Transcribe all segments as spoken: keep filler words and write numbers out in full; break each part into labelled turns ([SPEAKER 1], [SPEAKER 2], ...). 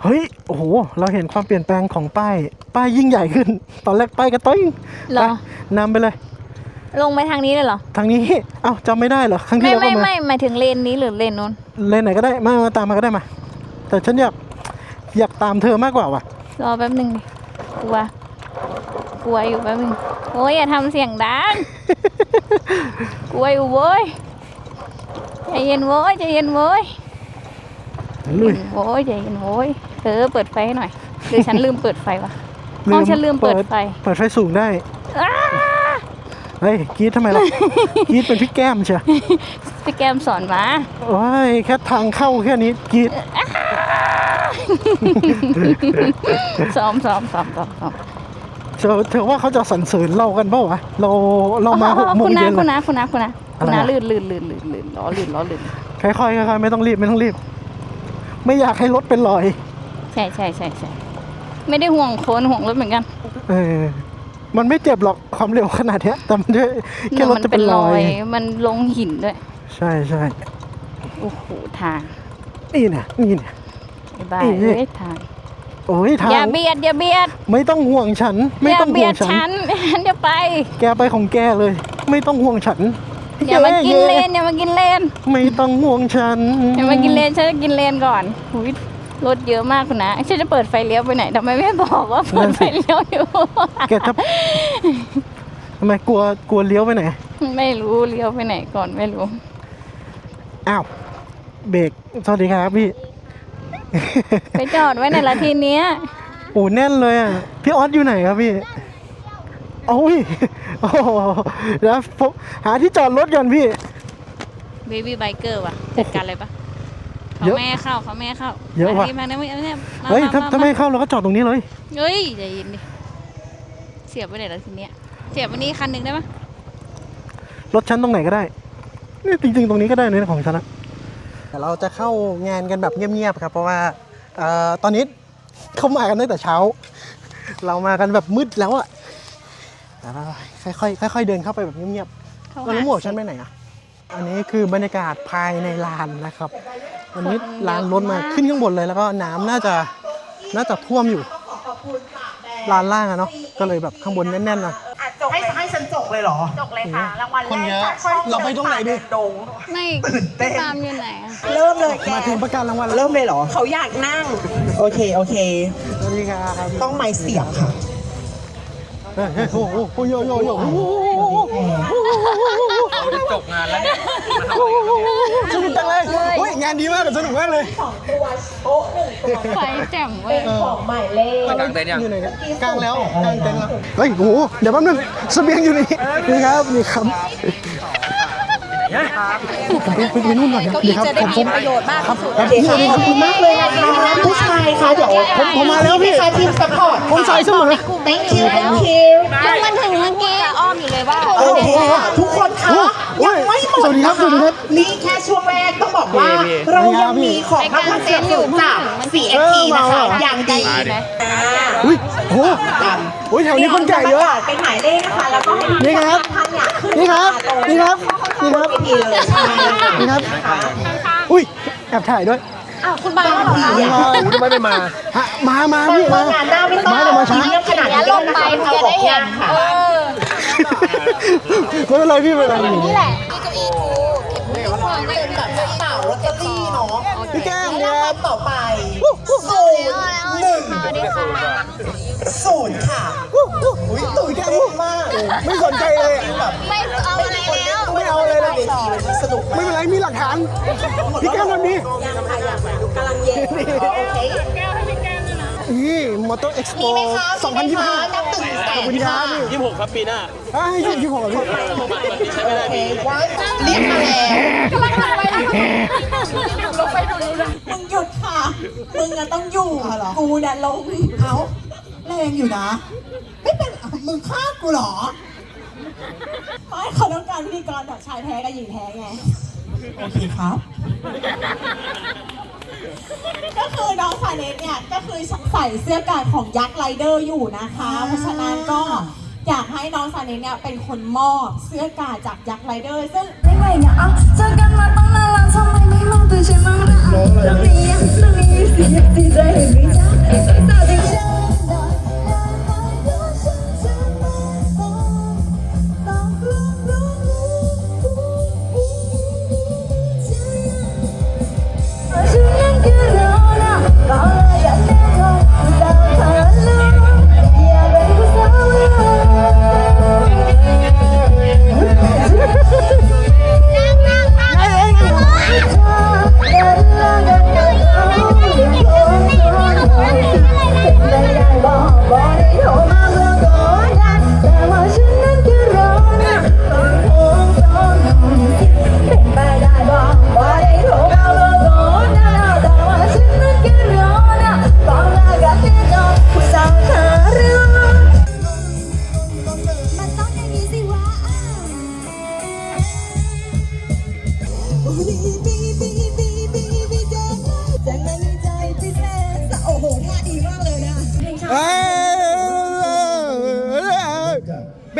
[SPEAKER 1] เฮ้ยโอ้โหเราเห็นความเปลี่ยนแปลงของป้ายป้ายยิ่งใหญ่ขึ้นตอนแรกป้ายกระต้อย
[SPEAKER 2] เหรอ
[SPEAKER 1] นำไปเลย
[SPEAKER 2] ลงไปทางนี้เลยเหรอ
[SPEAKER 1] ทางนี้เอ้าจำไม่ได้เหรอครั้งที่
[SPEAKER 2] ไม่
[SPEAKER 1] แล้วก็
[SPEAKER 2] ไม่
[SPEAKER 1] มา
[SPEAKER 2] ไม่หมายถึงเลนนี้หรือเลนนู้น
[SPEAKER 1] เลนไหนก็ได้มามาตามมาก็ได้มาแต่ฉันอยากอยากตามเธอมากกว่าว่ะ
[SPEAKER 2] รอแป๊บหนึ่งดิกลัวกลัวอยู่แป๊บหนึงโอ้ยอย่าทำเสียงดัง กลัวอยู่เว้ยใจเย็นเว้ยใจเย็นเว้ย
[SPEAKER 1] ลุย
[SPEAKER 2] โว้ยใจเย็นโว้ยเออเปิดไฟให้หน่อยหรือฉันลืมเปิดไฟวะ ห้องฉันลืมเปิดไฟ
[SPEAKER 1] เปิดไฟสูงได้
[SPEAKER 2] อ้า
[SPEAKER 1] เฮ้ยกรีดทำไมล่ะ กรีดเป็นพี่แก้มเชียว
[SPEAKER 2] พี่แกมสอนมา
[SPEAKER 1] โอ้ยแค่ทางเข้าแค่นี้กรีด
[SPEAKER 2] ซ้อมซ้อมซ้อมซ้อมซ้อม
[SPEAKER 1] เธอเธอว่าเขาจะสรรเสริญเรากันเปล่าวะเราเรามาหกโมง
[SPEAKER 2] คุณ
[SPEAKER 1] เย็
[SPEAKER 2] นะ
[SPEAKER 1] น
[SPEAKER 2] คุณ
[SPEAKER 1] เลย
[SPEAKER 2] นะคุณนะคุณนะคุณ
[SPEAKER 1] อะไร
[SPEAKER 2] นะ
[SPEAKER 1] อะ
[SPEAKER 2] ลื่นลื่นลื่นลื่นลื่นล้อลื่นล้อลื่น
[SPEAKER 1] ค่อยๆค่อยๆไม่ต้องรีบไม่ต้องรีบ ไม่อยากให้รถเป็นรอย
[SPEAKER 2] ใช่ใช่ใช่ใช่ไม่ได้ห่วงโคนห่วงรถเหมือนกัน
[SPEAKER 1] เออมันไม่เจ็บหรอกความเร็วขนาดเนี้ยแต่มันด้วยแค่รถจะเป็นรอย
[SPEAKER 2] มันลงหินด้วย
[SPEAKER 1] ใช่ใช่
[SPEAKER 2] โอ้โหทาง
[SPEAKER 1] นี่เนี่ยนี่เนี่ย
[SPEAKER 2] ไอ้บ้า
[SPEAKER 1] อี
[SPEAKER 2] เอ้ยทาง
[SPEAKER 1] โอ้ยทาง
[SPEAKER 2] อย่าเบียดอย่าเบียด
[SPEAKER 1] ไม่ต้องห่วงฉัน ไม่
[SPEAKER 2] อย่า
[SPEAKER 1] ต้อง
[SPEAKER 2] เบี
[SPEAKER 1] ห่
[SPEAKER 2] ยว
[SPEAKER 1] ง
[SPEAKER 2] ด
[SPEAKER 1] ฉัน
[SPEAKER 2] ฉัน ฉันจะไป
[SPEAKER 1] แกไปของแกเลย ไม่ต้องห่วงฉัน
[SPEAKER 2] อย่ามากินเลน
[SPEAKER 1] ย้
[SPEAKER 2] อย่ามากินเลน
[SPEAKER 1] ไม่ต้องห่วงฉัน
[SPEAKER 2] อย่ามากินเลนฉันจะกินเลนก่อนหูยรถเยอะมากคุณนะฉันจะเปิดไฟเลี้ยวไปไหนทำไมไม่บอกว่าเปิดไฟเลี้ยวอยู่
[SPEAKER 1] แกจะทำไมกลัวกลัวเลี้ยวไปไหน
[SPEAKER 2] ไม่รู้เลี้ยวไปไหนก่อนไม่รู้
[SPEAKER 1] อ้าวเบรกสวัสดีครับพี่
[SPEAKER 2] ไปจอดไว้ในละทีเนี้ย
[SPEAKER 1] โอ้แน่นเลยอ่ะพี่ออสอยู่ไหนครับพี่โอ้ยโอ้โหเดี๋ยวผมหาที่จอดรถก่อนพี่
[SPEAKER 2] เบบี้ไบเกอร์ว่ะจัดการเลยปะเขา
[SPEAKER 1] เยอะ
[SPEAKER 2] แม่ให้เข้าเขาแม่ให้เข้า
[SPEAKER 1] เยอะว่ะ
[SPEAKER 2] มานี่มาเนี่ยมาเนี่ยมา
[SPEAKER 1] เฮ้ยถ้า
[SPEAKER 2] มา
[SPEAKER 1] ถ้าไม่เข้าเราก็จอดตรงนี้เลย
[SPEAKER 2] เฮ้ยใจเย็นดิเสียบไปไหนละทีเนี้ยเสียบวันนี้คันหนึ่งได้ปะ
[SPEAKER 1] รถฉันตรงไหนก็ได้นี่จริงๆตรงนี้ก็ได้นะของฉันนะแต่เราจะเข้างานกันแบบเงียบๆครับเพราะว่าเอ่อตอนนี้เขามากันตั้งแต่เช้า เรามากันแบบมืดแล้วอะแต่ว่าค่อยๆค่อยๆเดินเข้าไปแบบเงียบๆ
[SPEAKER 2] เข้า
[SPEAKER 1] ตอนนี้หมวกฉันไปไหนอะอันนี้คือบรรยากาศภายในลานนะครับวันนี้ลานล้นมาขึ้นข้างบนเลยแล้วก็น้ำน่าจะน่าจะท่วมอยู่ลานล่างอะเนาะก็เลยแบบข้างบนแน่นๆนะ
[SPEAKER 3] ให้ให้ฉันจกเลยเหรอ
[SPEAKER 2] จกเลยค่ะรางวัล
[SPEAKER 1] คน
[SPEAKER 2] แร
[SPEAKER 1] เย
[SPEAKER 2] ก
[SPEAKER 1] อะเราไปตรงไหนดี
[SPEAKER 3] ดง
[SPEAKER 2] ไม่ตามอยู่ไหนอะ
[SPEAKER 3] เริ่มเลยแก
[SPEAKER 1] มาถึงประกาศรางวัลแล้ว
[SPEAKER 3] เริ่มเลยเหรอ เขาอยากนั่ง โอเค โอเค
[SPEAKER 1] สวัสดีครับ
[SPEAKER 3] ต้องไม้เสียบค่ะ
[SPEAKER 1] เฮ้ยเฮ้ยโอ้โหโอ้โหโยโยโยโอ้โห
[SPEAKER 4] จะจบงานแล้วเนี่ย
[SPEAKER 1] สนุกจังเลยเฮ้ยงานดีมากสนุกมากเลย
[SPEAKER 3] สองตัวโต๊ะหนึ่งตัว
[SPEAKER 2] ไฟแจ่มเว้ย
[SPEAKER 3] เป็นของหมายเลข
[SPEAKER 4] กลางเต็นท์ยัง
[SPEAKER 1] อยู่ไหนกันกลางแล้วกลางเต็นท์แล้วเฮ้ยโอ้โหเดี๋ยวแป๊บนึงเสบียงอยู่นี่นี่ครับนี่ครับผมไปไปนู่นหน่อยดีครับผมผม
[SPEAKER 2] ประโยชน์มาก
[SPEAKER 1] ครับ
[SPEAKER 3] โอเคค่ะขอบคุณมากเลยนะคะผู้ชายคะเดี๋ยว
[SPEAKER 1] ผมผมมาแล้วพี่
[SPEAKER 3] ค่ะทีมสปอร์ต
[SPEAKER 1] ผมใส่เสมอ
[SPEAKER 3] thank you thank you
[SPEAKER 2] ยังมันถึงเมื่อกี้อ้อมอยู่เลยว่า
[SPEAKER 3] โอเคค่ะทุกคนคะ
[SPEAKER 1] โอ้โห
[SPEAKER 3] ยังไม่หมด
[SPEAKER 1] สวัสดีครับ
[SPEAKER 3] นะ
[SPEAKER 1] สวัสดีครั
[SPEAKER 3] คะ
[SPEAKER 1] บ
[SPEAKER 3] นี่แค่ช่วงแรกต้องบอกว่า เรายังมีของรางวัลสนับสนุนจาก ซี เอส ที นะคะ อย่างดี
[SPEAKER 1] อุ้ยโอ้โหอุ้ยแถวนี้คนแก่เยอะ
[SPEAKER 3] เป็นหมายเลขนะคะแล้วก็ให้
[SPEAKER 1] นี่ครับ
[SPEAKER 3] ท่านเนี่ยขึ้น
[SPEAKER 1] นี่ครับ นี่ครับ นี่ครับ
[SPEAKER 3] เวทีเลยใช่
[SPEAKER 1] นี่ครับ อุ้ยแอบถ่ายด้วย
[SPEAKER 3] อ้าวคุณบาร์เหรอคะ
[SPEAKER 1] มา
[SPEAKER 4] โอ้ทำไมไม่มา
[SPEAKER 1] ฮะมามา
[SPEAKER 3] เปิ
[SPEAKER 1] พี่
[SPEAKER 3] ด
[SPEAKER 1] มา
[SPEAKER 3] งานหน้าไม่ต้อง
[SPEAKER 1] มาแต่มาช้า
[SPEAKER 3] เยี่ยมขนาดนี้เลยนะคะเอาออกยากค่ะ
[SPEAKER 1] ไม่เป็นไรพี่ไม่เป็นไร
[SPEAKER 2] นี่แหละ
[SPEAKER 3] เต่าลอตเตอรี่เนาะ
[SPEAKER 1] พี่แก้ม
[SPEAKER 3] แล้
[SPEAKER 1] เนี่
[SPEAKER 3] วย ครับต่อไปศูนย์หนึ่งศูนย์ค่ะอุ้ยตื่นเต้นมาก
[SPEAKER 1] ไม่สนใจเลยอะ
[SPEAKER 2] ไม่เอาอะไรแล้ว
[SPEAKER 1] ไม่เอาอะไรเลย
[SPEAKER 3] เวทีมันสนุก
[SPEAKER 1] ไม่เป็นไรมีหลักฐาน พี่แก้มทำนี้
[SPEAKER 3] ยังค่ะยังกำลังเย็นโอเค
[SPEAKER 1] นี่มอเตอร์เอ็กซ์โป
[SPEAKER 3] มีไหมคะ
[SPEAKER 1] สองพันยี่สิบห้า
[SPEAKER 3] นับตึงแส
[SPEAKER 1] ขอบ
[SPEAKER 3] น
[SPEAKER 1] คุณครั
[SPEAKER 3] ค่ะ
[SPEAKER 1] บพี่
[SPEAKER 4] ยี่สิบหกครับปีหน้า
[SPEAKER 1] อ่าให้ยี่สิบหกพี่
[SPEAKER 3] โอเคว่าเรียกมาแล้วมึงหยุดค่ะ มึงอะต้องอยู่กูเนี่ยลงเอาแรงอยู่นะ ไม่เป็นมึงฆ่ากูเหรอ
[SPEAKER 5] ไม่เขาต้องการพิธีกรแบบชายแท้กับหญิงแท้ไง
[SPEAKER 3] โอเคครับ
[SPEAKER 5] ก็คือน้องสายเนสเนี่ย ก็คือใส่เสื้อกาดของยักษ์ไรเดอร์อยู่นะคะ เพราะฉะนั้นก็อยากให้น้องสายเนสเนี่ยเป็นคนมอบเสื้อกาดจากยักษ์ไรเดอร์ ซึ่ง
[SPEAKER 6] ไม่ไหวเนี่ยอ่ะเจอกันมาตั้งนานแล้วทำไมไม่มองตัวฉันบ้างล่ะตรงนี้ตรงนี้สิสิใจเห็นไม่ใจ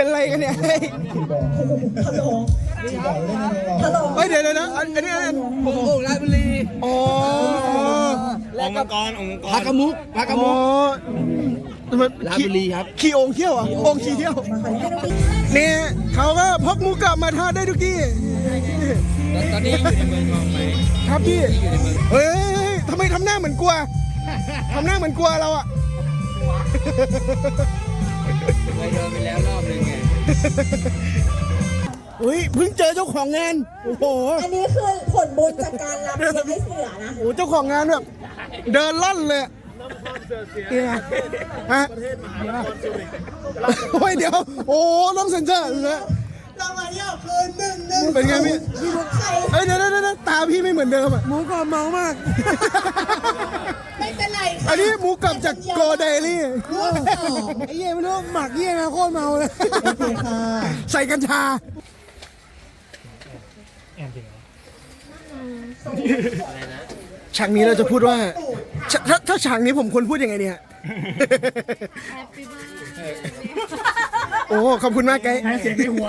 [SPEAKER 1] เป็นไรกันเนี่ยเฮ้ย
[SPEAKER 3] ฮัลโหลฮัลโหล
[SPEAKER 1] เฮ้ยเดี๋ยวเดี๋ยวนะอันอันนี้อันนี้โอ่งราชบุรีอ๋อ
[SPEAKER 4] องค์มังกรองค์มังกร
[SPEAKER 1] พากระมุกพากระมุกราชบุรีครับขี่องค์เที่ยวอ่ะองค์ขี่เที่ยวเนี่ยเขาก็พกหมูกลับมาทอดได้ทุกที่
[SPEAKER 4] ตอนนี้อยู่ในเมืองทองไหม
[SPEAKER 1] ครับพี่เฮ้ยทำไมทำหน้าเหมือนกลัวทำหน้าเหมือนกลัวเราอ่ะ
[SPEAKER 4] เคยโดนไปแล้วรอบนึงไง
[SPEAKER 1] เฮ้ยเพิ่งเจอเจ้าของงานโอ้โห
[SPEAKER 5] อันนี้คือผลบุญจากการรับเลี้ยงให้เสือนะ
[SPEAKER 1] โอ้โหเจ้าของงานแบบเดินล่อนเลยเนี่ยฮะโอ้ยเดี๋ยวโอ้ต้องเซ็นเซอร์เลย
[SPEAKER 3] รางวัลที่ออกคือหนึ่งหนึ่ง
[SPEAKER 1] เป็นไงพี่
[SPEAKER 3] พี่มุกใคร
[SPEAKER 1] เอ้ยเดี๋ยวเดี๋ยวเดี๋ยวตาพี่ไม่เหมือนเดิมอ่ะหมูกรอบเมามาก
[SPEAKER 3] ไม่เป็นไร
[SPEAKER 1] อันนี้หมูกรอบจากโกเดลี่
[SPEAKER 3] ร่วมสอง
[SPEAKER 1] ไอ้เหี้ยไม่รู้หมักเหี้ยนะโคตรเมาเลย
[SPEAKER 3] โอเคค่ะ
[SPEAKER 1] ใส่กัญชาฉากนี้เราจะพูดว่าฉถ้าถ้าฉากนี้ผมควรพูดยังไงเนี่ย โอ้ขอบคุณมากไกด์เสียงในหัว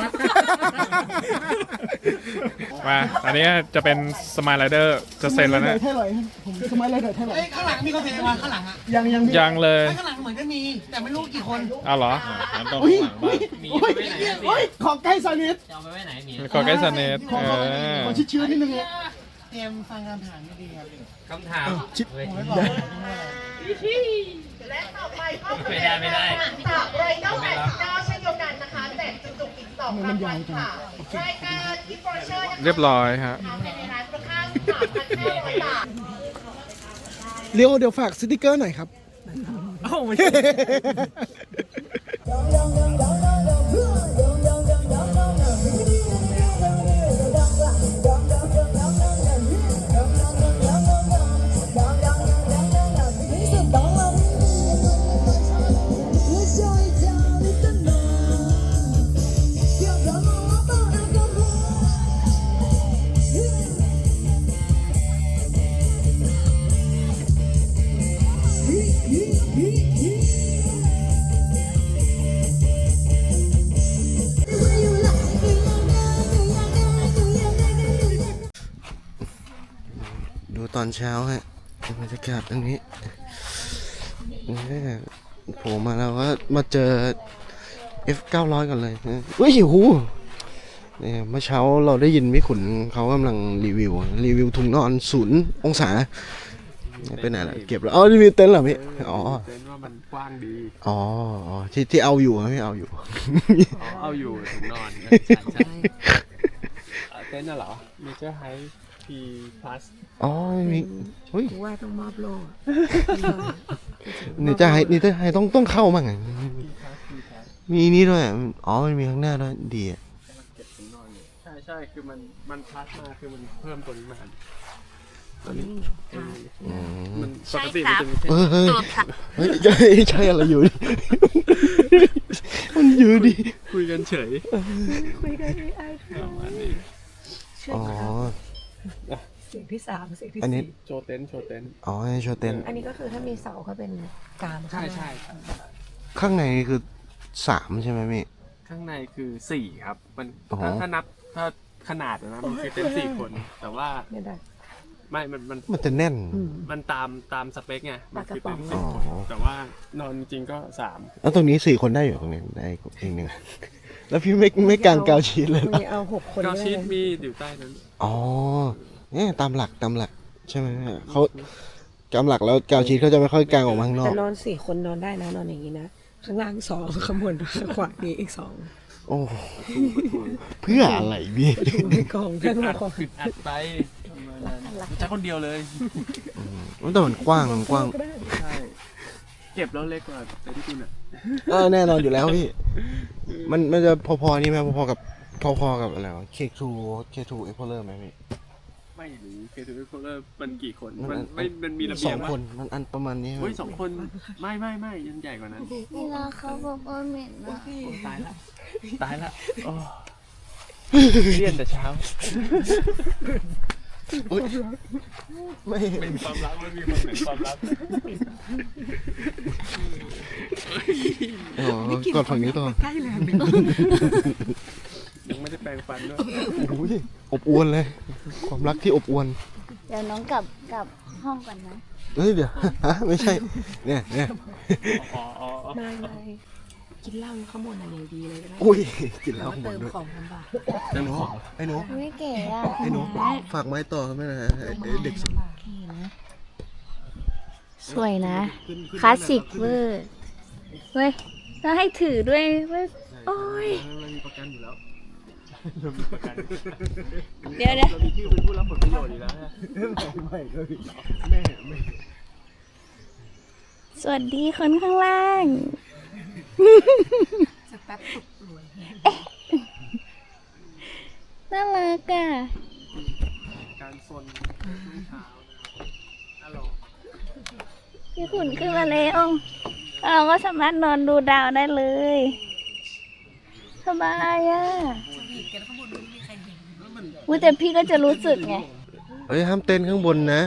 [SPEAKER 7] มาอันนี้จะเป็นสมายไรเดอร์จะเซ็นแล้วนะ
[SPEAKER 1] เท่าไหร่ผมสมัยเลยเท่าไหร่
[SPEAKER 3] ข้างหลังมีคนเพลงมาข้างหลังอ่ะ
[SPEAKER 1] ยังยัง
[SPEAKER 7] ยังเลย
[SPEAKER 3] ข้างหลังเหมือนจะมี แต่ไม่รู้กี่คน
[SPEAKER 7] เอาเหรอ
[SPEAKER 1] อุ้ยอุ้ยโอ้ยขอใกล้สนิท
[SPEAKER 4] จะเอาไปไว้ไหนหมี
[SPEAKER 7] ขอใกล้สเนตเออ
[SPEAKER 1] ขอชิดชื้นนิดนึงเลย
[SPEAKER 3] เตรียมฟังคำถามให้ดีครับ
[SPEAKER 4] คำถาม
[SPEAKER 1] ชิด
[SPEAKER 4] เฮ้ย
[SPEAKER 3] ไม่บอก
[SPEAKER 4] ไม่ได้ไม่ได้
[SPEAKER 8] จากไรเดอร์แปดสิบเก้าเช่นเดียวกันนะคะแจกจุกๆอีกสองรางวัลค่ะรายการกิฟต์วอเชอร์นะคะ
[SPEAKER 7] เรียบร้อยฮะ
[SPEAKER 8] ในร้านมูลค่าสามพันห้าร้อยบาท
[SPEAKER 1] เลี้ยวเดี๋ยวฝากสติกเกอร์หน่อยครับ
[SPEAKER 4] เอ้าไม่ใช่
[SPEAKER 1] ดูตอนเช้าฮะบรรยากาศตรงนี้เนี่ยโผล่มาแล้วก็มาเจอ เอฟ เก้าร้อย ก่อนเลยนะเฮ้ยหูเนี่ยเมื่อเช้าเราได้ยินพี่ขุนเขากำลังรีวิว รีวิวถุงนอนศูนย์องศาไปไหนล่ะเก็บแล้วอ๋อรีวิวเต็นท์เหรอพี่อ๋อ
[SPEAKER 7] เต็นว่ามันกว้างดี
[SPEAKER 1] อ๋ออ๋อที่ที่เอาอยู่ไม่เอาอยู่
[SPEAKER 7] เอาอยู่ถุงนอนเต็นท์น่ะเหรอเมเจอร์ไฮพีพลัส
[SPEAKER 1] อ๋อมีเฮ้ย
[SPEAKER 6] ว่าต้องมอบโล่
[SPEAKER 1] นี่จะให้นี่จะให้ต้องต้องเข้ามั่งไงมีนี่ด้วยอะอ๋อมันมีข้างหน้าด้วยดีอ่ะ
[SPEAKER 7] ใช่ใช่คือมันมันพลัสมาคือมันเพิ่มตัวนี้มาตอนนี้มันปกติมันจะมีแค่
[SPEAKER 1] เออเฮ้ยเฮ้ยใช่ใช่อะไรอยู่ดิมันอยู่ดิ
[SPEAKER 7] คุยกันเฉย
[SPEAKER 6] คุยกันที่ไอ้
[SPEAKER 7] ประมาณนี้
[SPEAKER 1] อ๋อ
[SPEAKER 6] เสียงที่สามเสียงที่
[SPEAKER 1] อันนี้
[SPEAKER 6] สี่
[SPEAKER 7] โชว์เต็นท์โชว์เต็นท์
[SPEAKER 1] อ๋อให้โชว์เต็นท์
[SPEAKER 6] อันนี้ก็คือถ้ามีเสาก็เป็นกาม
[SPEAKER 7] ใช่ใช่
[SPEAKER 1] ข้างในคือสามใช่ไหมพี่
[SPEAKER 7] ข้างในคือสี่ครับมัน
[SPEAKER 1] อ๋อ
[SPEAKER 7] ถ้าถ้านับถ้าขนาดนะมันคือเต็นท์สี่คน แต่ว่า
[SPEAKER 6] ไม่ได้
[SPEAKER 7] ไม่ มันมัน
[SPEAKER 1] มันจะแน่น
[SPEAKER 7] มันตามตามสเปคไงมันคือเต็นท์
[SPEAKER 1] อ๋
[SPEAKER 7] สี่
[SPEAKER 1] อ
[SPEAKER 7] คนแต่ว่านอนจริงๆก็สาม
[SPEAKER 1] แล้วตรงนี้สี่คนได้อยู่ตรงนี้ได้เองหนึ่งแล้วพี่ไม่ไม่กางกาวชีสเลยเหรอ
[SPEAKER 6] มีเอาหกคน
[SPEAKER 7] ก็
[SPEAKER 6] ได้
[SPEAKER 7] ชีต
[SPEAKER 6] เลย
[SPEAKER 7] มีอยู่ใต้นั้น
[SPEAKER 1] อ๋อเนี่ยตามหลักตามหลักใช่ไหมเขาตามหลักแล้วกาวชีสเขาจะไม่ค่อยกางออกมาข้างนอ
[SPEAKER 6] แต่
[SPEAKER 1] ก
[SPEAKER 6] นอนสี่คนนอนได้นะนอนอย่างนี้นะ ข้างล่างสองข้างบนข้างขวามีอีกสอง
[SPEAKER 1] โอ้เพื่ออะไรพี่
[SPEAKER 6] ในกองข้างหลัง
[SPEAKER 7] อึดอัดไปใช้คนเดียวเลย
[SPEAKER 1] แต่มันกว้างมันกว้าง
[SPEAKER 7] ใช่ เก็บแล้วเล็กกว่าเต็นท์คุณอ่ะ
[SPEAKER 1] เออแน่นอนอยู่แล้วพี่ มันมันจะพอๆนี่ไหมพอๆกับพอๆกับอะไรวะ เค ทู เค ทู Explorer ไหมพี่
[SPEAKER 7] ไม่หรือเคทูโคเลอร์มันกี่คน
[SPEAKER 1] มั
[SPEAKER 7] มัน
[SPEAKER 1] น
[SPEAKER 7] ไม่มันมีระ
[SPEAKER 1] ส
[SPEAKER 7] เบี
[SPEAKER 1] อย ง
[SPEAKER 7] ง
[SPEAKER 1] คนมันอันประมาณนี้ไหม
[SPEAKER 7] เฮ้ยสองคนไม่ไม่ไม่ยันใหญ่กว่านั้น
[SPEAKER 2] เวลาเขาบอกว่าเหม็นนะ
[SPEAKER 7] ตายละตายละโอ้เรียนแต่เช้า
[SPEAKER 1] อุ๊ยไม่
[SPEAKER 7] เป็นความรักมันมีคนเป็นความรัก
[SPEAKER 1] อ๋อ
[SPEAKER 6] ไม่เกี่ยว
[SPEAKER 9] กอดฝั่งนี้ต่อ
[SPEAKER 6] ใกล้แรงเลย
[SPEAKER 7] ยังไม่ได้แปรงฟันด้วย
[SPEAKER 9] โอ้ยอบอวลเลย ความรักที่อบอวล
[SPEAKER 2] เดี๋ยวน้องกลับกลับห้องก่อนนะ
[SPEAKER 9] เฮ้ยเดี๋ยวฮะไม่ใช่เนี่ยเนี่ย
[SPEAKER 7] อ๋ออ๋ออ๋อ
[SPEAKER 6] ไม่ไม่กินเหล้าข้างบนอะไรดีเลยก็ได้
[SPEAKER 9] อุ้ยกินเหล้าหม
[SPEAKER 6] เติ
[SPEAKER 9] ด
[SPEAKER 6] ม
[SPEAKER 9] ด้วย
[SPEAKER 6] ของลำบาก
[SPEAKER 9] ไอ้หนูไอ้หนู
[SPEAKER 2] ไม่เก๋อ่ะ
[SPEAKER 9] ไอ้หนูฝากไม้ต่อไม่นะฮะไอ้เด็ก
[SPEAKER 2] สวยนะ คลาสสิกเวอร์เว้ยแล้วให้ถือด้วยเว้ยโอ้ย
[SPEAKER 7] เรามีประกันอยู่แล้ว
[SPEAKER 2] เดี๋ยวเดี๋ยว
[SPEAKER 7] เรามีชื่อเป็นผู้รับผลประโยชน์อยู่แล้วนะ
[SPEAKER 9] ไม่เลยแม่ไม่
[SPEAKER 2] สวัสดีคนข้างล่าง
[SPEAKER 6] สักแป๊บตกรวย
[SPEAKER 2] น่ารักอ่ะ
[SPEAKER 7] การซนช่วงเช้านะฮัลโหล
[SPEAKER 2] พี่ขุนขึ้นมาแล้วเราก็สามารถนอนดูดาวได้เลย สบายอ่ะอุ้ยแต่พี่ก็จะรู้สึกไง
[SPEAKER 9] เฮ้ยห้ามเต้นข้างบนนะ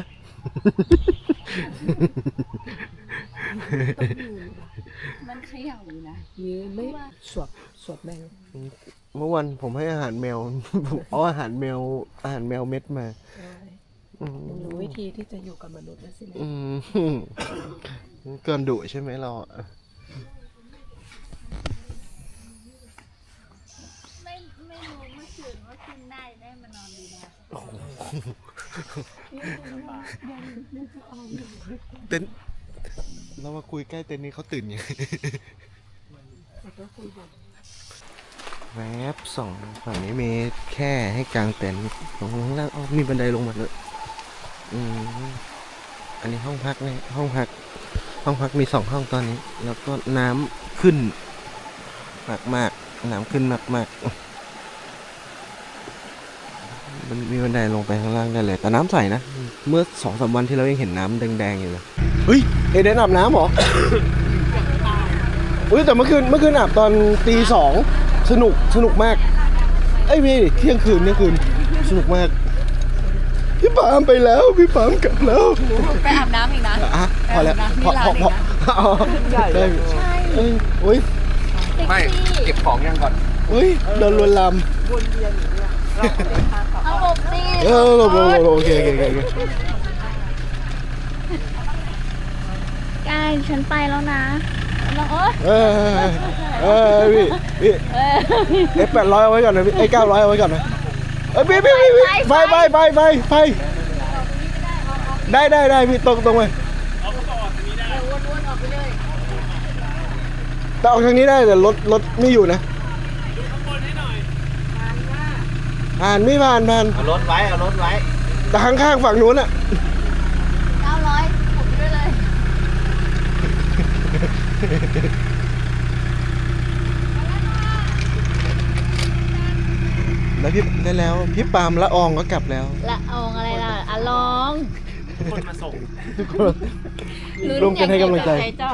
[SPEAKER 2] มันเขย่าอยู่นะ
[SPEAKER 6] ยืนไม่สวบสวบแมว
[SPEAKER 9] เมื่อวันผมให้อาหารแมว ผมเอาอาหารแมวอาหารแมวเม็ดมาอืม
[SPEAKER 6] รู้วิธีที่จะอยู่กับมนุษย์แล้วสินะ
[SPEAKER 9] อืมเกินดุใช่ไหมเราอะ
[SPEAKER 2] ไม่ไม่รู้เมื่อคืนว่าขึ้นได้ได้มานอนดูดาว
[SPEAKER 9] เต้นเรามาคุยใกล้เต็นท์นี้เขาตื่นยังแวบสองฝั่งนี้มีแค่ให้กางเต็นท์ตรงข้างล่างอ๋อมีบันไดลงมาเลยอืมอันนี้ห้องพักเนี่ยห้องพัก ห้องพักมีสองห้องตอนนี้ แล้วก็น้ำขึ้นมากมากๆน้ำขึ้นมากมากๆมันมีบันไดลงไปข้างล่างได้เลย แต่น้ำใสนะ เมื่อสองสามวันที่เรายังเห็นน้ำแดงๆอยู่เลยเฮ้ยเอเดนอาบน้ำเหรอ อุ้ยแต่เมื่อคืนเมื่อคืนอาบตอนตีสองสนุกสนุกมากไอ้ยพี่เที่ยงคืนเที่ยงคืนสนุกมากพี่ปามไปแล้วพี่ปามกลับแล้ว
[SPEAKER 6] ไปอาบน้ำอีกนะ
[SPEAKER 9] อ่ะพอแล้วพอพอพออ๋อได้ใช่เอ้ยโอ้ย
[SPEAKER 4] ไม่เก็บของยังก่อน
[SPEAKER 9] โอ้ยโดนลวนลาม
[SPEAKER 2] เอาหลบสิ
[SPEAKER 9] เออโลโลโลโอเคโอเคโอเค
[SPEAKER 2] กายฉันไปแล้วนะแล้วโอ๊ย
[SPEAKER 9] เออเออพี่พี่เอฟแปดร้อยเอาไว้ก่อนนะพี่ไอ้เก้าร้อยเอาไว้ก่อนนะเอ้ยพี่พี่พี่ไฟไฟไฟไฟไฟได้ได้ได้พี่ตรงตรงไปแต่ออกทางนี้ได้แต่รถรถไม่อยู่นะผ่านไม่ผ่านผ่าน
[SPEAKER 4] เอารถไว้เอารถไว้
[SPEAKER 9] แต่ข้างๆฝั่งนู้นอะ
[SPEAKER 2] เก้าร้อยผมด้วยเลย
[SPEAKER 9] แล้วพี่ได้แล้วพี่ปาล์มละอองก็กลับแล้ว
[SPEAKER 2] ละอองอะไรล่ะอะลอง
[SPEAKER 7] คนมาส่ง
[SPEAKER 9] ทุกคนร่วมกันให้กำลังใจ
[SPEAKER 2] จ้า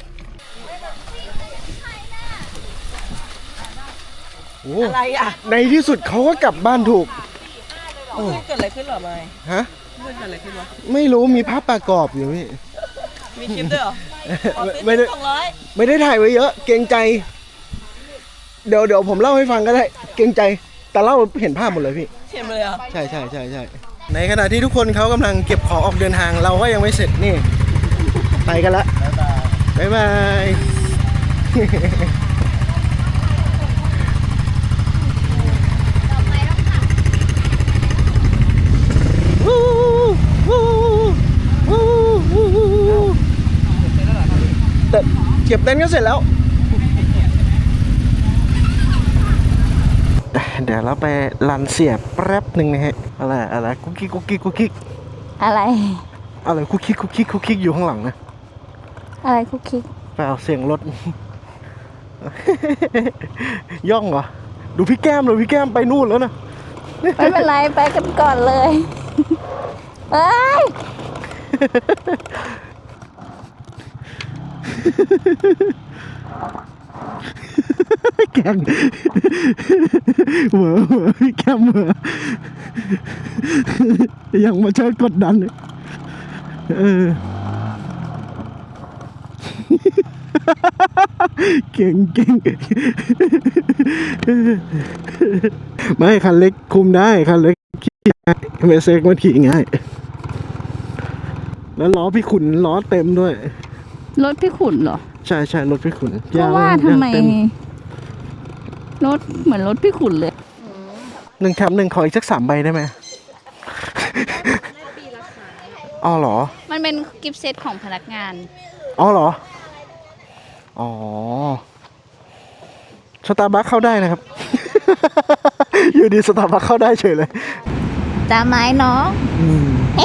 [SPEAKER 9] โอ้
[SPEAKER 6] อะไรอ่ะ
[SPEAKER 9] ในที่สุดเขาก็กลับบ้านถูก
[SPEAKER 6] เกิดอะไรขึ้นหรอไม่
[SPEAKER 9] ฮะ
[SPEAKER 6] เกิดอะไรขึ้นวะ
[SPEAKER 9] ไม่รู้มีภาพประกอบอยู่พี่
[SPEAKER 6] มีคลิปด้วยเหรอ
[SPEAKER 9] ไม่ได้ไม่ได้ถ่ายไว้เยอะ เกรงใจ เดี๋ยวเดี๋ยวผมเล่าให้ฟังก็ได้ เกรงใจ แต่เล่าเห็นภาพหมดเลยพี่
[SPEAKER 6] เห็นเลยอ่ะ
[SPEAKER 9] ใช่ใช่ใช่ใช่ในขณะที่ทุกคนเขากำลังเก็บของออกเดินทางเราก็ยังไม่เสร็จนี่ ไปกันละบ๊ายบายแต่เก็บเต็นท์ก็เสร็จแล้ว เดี๋ยวเราไปรันเสียบแป๊บหนึ่งนะฮะอะไรอะไรกุ๊กกิ๊กกุ๊กกิ๊กกุ๊กกิ๊ก
[SPEAKER 2] อะไร
[SPEAKER 9] อะไรคุกคิกคุกคิกคุกคิกอยู่ข้างหลังนะ
[SPEAKER 2] อะไรคุกคิก
[SPEAKER 9] ไปเอาเสียงรถ ย่องเหรอดูพี่แก้มเลยพี่แก้มไปนู่นแล้วนะ
[SPEAKER 2] ไม่เป็นไรไปกันก่อนเลยเอ้ย
[SPEAKER 9] แกงเหวอเหวอพี่แก้มเหวอยังมาช่วยกดดันเลยเออ
[SPEAKER 1] เก่งเก่งไม่คันเล็กคุมได้คันเล็กขี่ง่ายเมเซกมันขี่ง่ายแล้วล้อพี่ขุนล้อเต็มด้วย
[SPEAKER 2] รถพี่ขุนเหรอ
[SPEAKER 1] ใช่ใช่รถพี่ขุน
[SPEAKER 2] เพราะว่าทำไม
[SPEAKER 1] เต็
[SPEAKER 2] รถเหมือนรถพี่ขุนเลย
[SPEAKER 1] หนึ่งแถมหนึ่งขออีกสักสามใบได้ไหมอ๋อเหรอ
[SPEAKER 2] มันเป็นกิฟต์เซตของพนักงาน
[SPEAKER 1] อ๋อเหรอ อ๋อ สตาร์บัคเข้าได้นะครับ อยู่ดีสตาร์บัคเข้าได้เฉยเลย
[SPEAKER 2] ตามไม้น้อง
[SPEAKER 1] อืม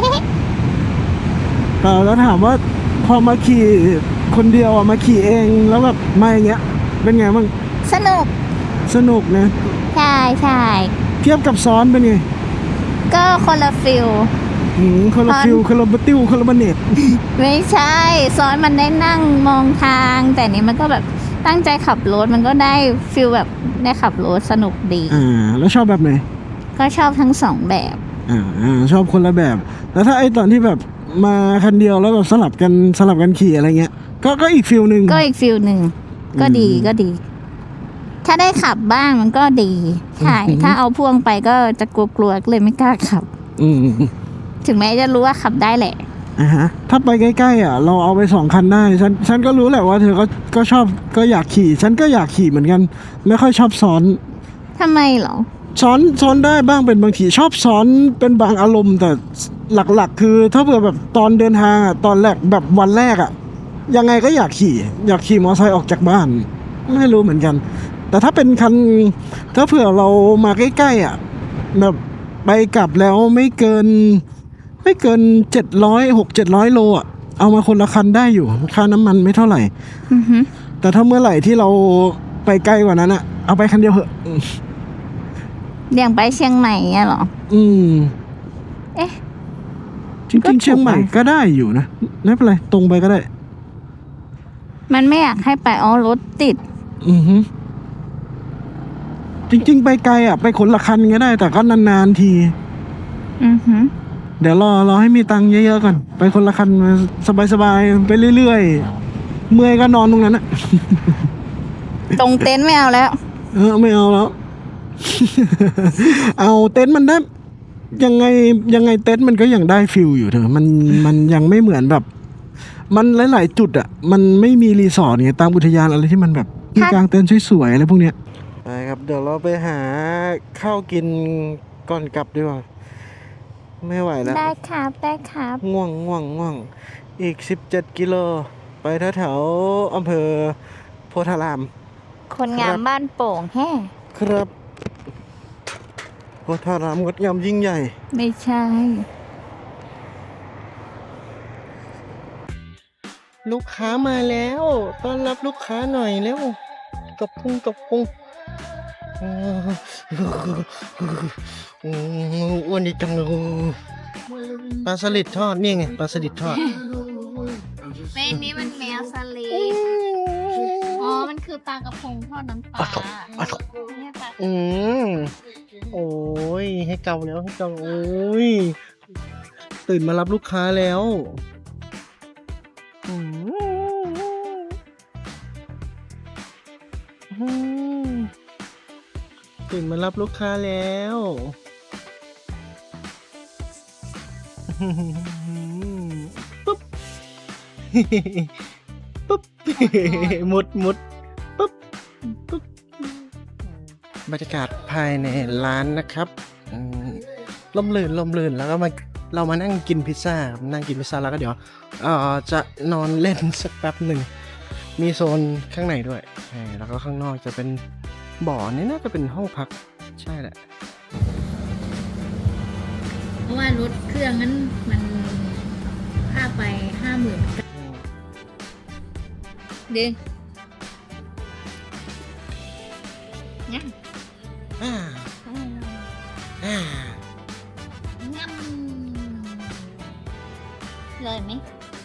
[SPEAKER 1] เออแล้วถามว่าพอมาขี่คนเดียวอ่ะมาขี่เองแล้วแบบมาอย่างเงี้ย เป็นไงบ้าง
[SPEAKER 2] สนุก
[SPEAKER 1] สนุกนะ
[SPEAKER 2] ใช่ใช่
[SPEAKER 1] เทียบกับซ้อนเป็นไง
[SPEAKER 2] ก็คนละฟิล
[SPEAKER 1] อืมคนละ
[SPEAKER 2] ซ้อน
[SPEAKER 1] ฟิลคนละบัตติวคนละบันเนต
[SPEAKER 2] ไม่ใช่ซ้อนมันได้นั่งมองทาง แต่นี้มันก็แบบตั้งใจขับรถมันก็ได้ฟิลแบบได้ขับรถสนุกดี
[SPEAKER 1] อ่า แล้วชอบแบบไหน
[SPEAKER 2] ก็ชอบทั้งสองแบบ
[SPEAKER 1] อ่าอ่าชอบคนละแบบ แล้วถ้าไอ้ตอนที่แบบมาคันเดียวแล้วแบบสลับกันสลับกันขี่อะไรเงี้ย ก็ก็อีกฟิลหนึ่ง
[SPEAKER 2] ก็อีกฟิลหนึ่งก็ดี
[SPEAKER 1] อืม
[SPEAKER 2] ก็ดี ถ้าได้ขับบ้างมันก็ดีใช่
[SPEAKER 1] อืม
[SPEAKER 2] ถ้าเอาพ่วงไปก็จะกลัวๆเลยไม่กล้าขับ
[SPEAKER 1] อืม
[SPEAKER 2] ถึงแม้จะรู้ว่าขับได้แหละ
[SPEAKER 1] อ่าฮะถ้าไปใกล้ๆอ่ะเราเอาไปสองคันได้ฉันฉันก็รู้แหละว่าเธอก็ก็ชอบก็อยากขี่ ฉันก็อยากขี่เหมือนกัน ไม่ค่อยชอบซ้อน
[SPEAKER 2] ทำไมเหรอ
[SPEAKER 1] ซ้อนซ้อนได้บ้างเป็นบางทีชอบซ้อนเป็นบางอารมณ์ แต่หลักๆ คือถ้าเผื่อแบบตอนเดินทางอ่ะตอนแรกแบบวันแรกอ่ะยังไงก็อยากขี่ อยากขี่มอเตอร์ไซค์ออกจากบ้าน ไม่รู้เหมือนกัน แต่ถ้าเป็นคันถ้าเผื่อเรามาใกล้ๆอ่ะแบบไปกลับแล้วไม่เกิน ไม่เกินเจ็ดร้อยหกเจ็ดร้อยโลอ่ะเอามาคนละคันได้อยู่ค่าน้ำมันไม่เท่าไหร่
[SPEAKER 2] อือฮึ
[SPEAKER 1] แต่ถ้าเมื่อไหร่ที่เราไปไกลกว่านั้นอ่ะเอาไปคันเดียวเหอะ
[SPEAKER 2] อย่างไปเชียงใหม่เงี้ยเหรอ
[SPEAKER 1] อืม
[SPEAKER 2] เอ๊ะ
[SPEAKER 1] จริงๆเชียงใหม่ก็ได้อยู่นะไม่เป็นไรตรงไปก็ได้
[SPEAKER 2] มันไม่อยากให้ไปอ๋อรถติด
[SPEAKER 1] อือฮึจริง ๆ ไปไกลอ่ะไปคนละคันก็ได้ แต่ก็นานๆที
[SPEAKER 2] อือฮึ
[SPEAKER 1] เดี๋ยวรอรอให้มีตังค์เยอะๆก่อนไปคนละคันสบายๆไปเรื่อยๆเมื่อยก็นอนตรงนั้นอ่ะ
[SPEAKER 2] ตรงเต็นท์ไม่เอาแล้ว
[SPEAKER 1] เออไม่เอาแล้ว เอาเต็นท์มันได้ยังไงยังไงเต็นท์มันก็ยังได้ฟิลอยู่เถอะมันมันยังไม่เหมือนแบบ มันหลายๆจุดอ่ะมันไม่มีรีสอร์ทไงตามอุทยานอะไรที่มันแบบมีกางเต็นท์สวยๆอะไรพวกเนี้ยไปครับเดี๋ยวเราไปหาข้าวกินก่อนกลับดีกว่าไม่ไหวแล้ว
[SPEAKER 2] ได้ครับได้ครับ
[SPEAKER 1] ง่วงง่วงง่วงอีกสิบเจ็ดกิโลไปแถวๆอำเภอโพธาราม
[SPEAKER 2] คนงามบ้านโป่งแฮ่
[SPEAKER 1] ครับโพธารามงดงามยิ่งใหญ่
[SPEAKER 2] ไม่ใช่
[SPEAKER 1] ลูกค้ามาแล้วต้อนรับลูกค้าหน่อยเร็วกับพุงกับพุงอืมอ้วนดีจังเลยปลาสลิดทอดนี่ไงปลาสลิดทอด
[SPEAKER 2] แม่นี้มันแมวสลิดอ๋อ มันคือปลากระพงทอดน้ำปลาเนี่ยปลา
[SPEAKER 1] อืมโอ้ยให้เกาแล้วให้เกาโอ้ยตื่นมารับลูกค้าแล้วอืมอืมตื่นมารับลูกค้าแล้วปุ๊บ ปุ๊บ มุดมุดปุ๊บปุ๊บบรรยากาศภายในร้านนะครับอืมล่มลื่นล่มลื่นแล้วก็มาเรามานั่งกินพิซซ่านั่งกินพิซซ่าแล้วก็เดี๋ยวเอ่อจะนอนเล่นสักแป๊บหนึ่งมีโซนข้างในด้วยใช่แล้วก็ข้างนอกจะเป็นบ่อนี่น่าจะเป็นห้องพักใช่แหละ
[SPEAKER 2] เพราะว่ารถเครื่องนั้นมันค่าไปห้าหมื่นดึงเนี่ย
[SPEAKER 1] อ่าอ่า
[SPEAKER 2] งั้มเลยไหม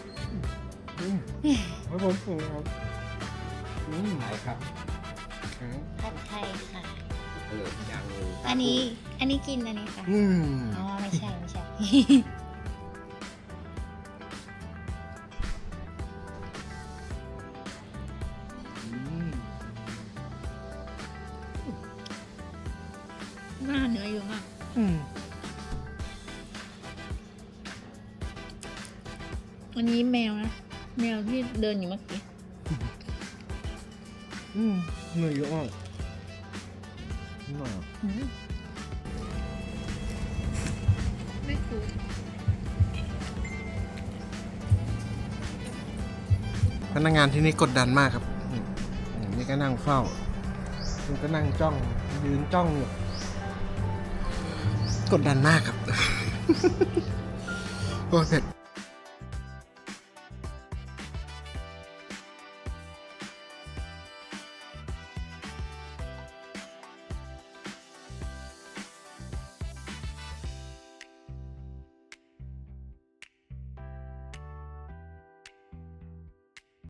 [SPEAKER 1] ครับผมครับอืม
[SPEAKER 4] ไหนครับ
[SPEAKER 2] ผัดไทยค่ะ
[SPEAKER 4] เออยัง
[SPEAKER 2] อันนี้ อันนี้กินอันนี้ค่ะ
[SPEAKER 1] อืม
[SPEAKER 2] อ๋อ ไม่ใช่ ไม่ใช่
[SPEAKER 1] อ
[SPEAKER 2] หน้าเนื้อเยอะมาก
[SPEAKER 1] อืม
[SPEAKER 2] วันนี้แมวนะ แมวที่เดินอยู่เมื่อกี้
[SPEAKER 1] อืมเนื้อเยอะมาก
[SPEAKER 2] ไม่ถูก
[SPEAKER 1] พนักงานที่นี่กดดันมากครับอืมอืมนี่ก็นั่งเฝ้าคุณก็นั่งจ้อง ยืนจ้องอยู่ กดดันมากครับ โอ้ยเผ็ด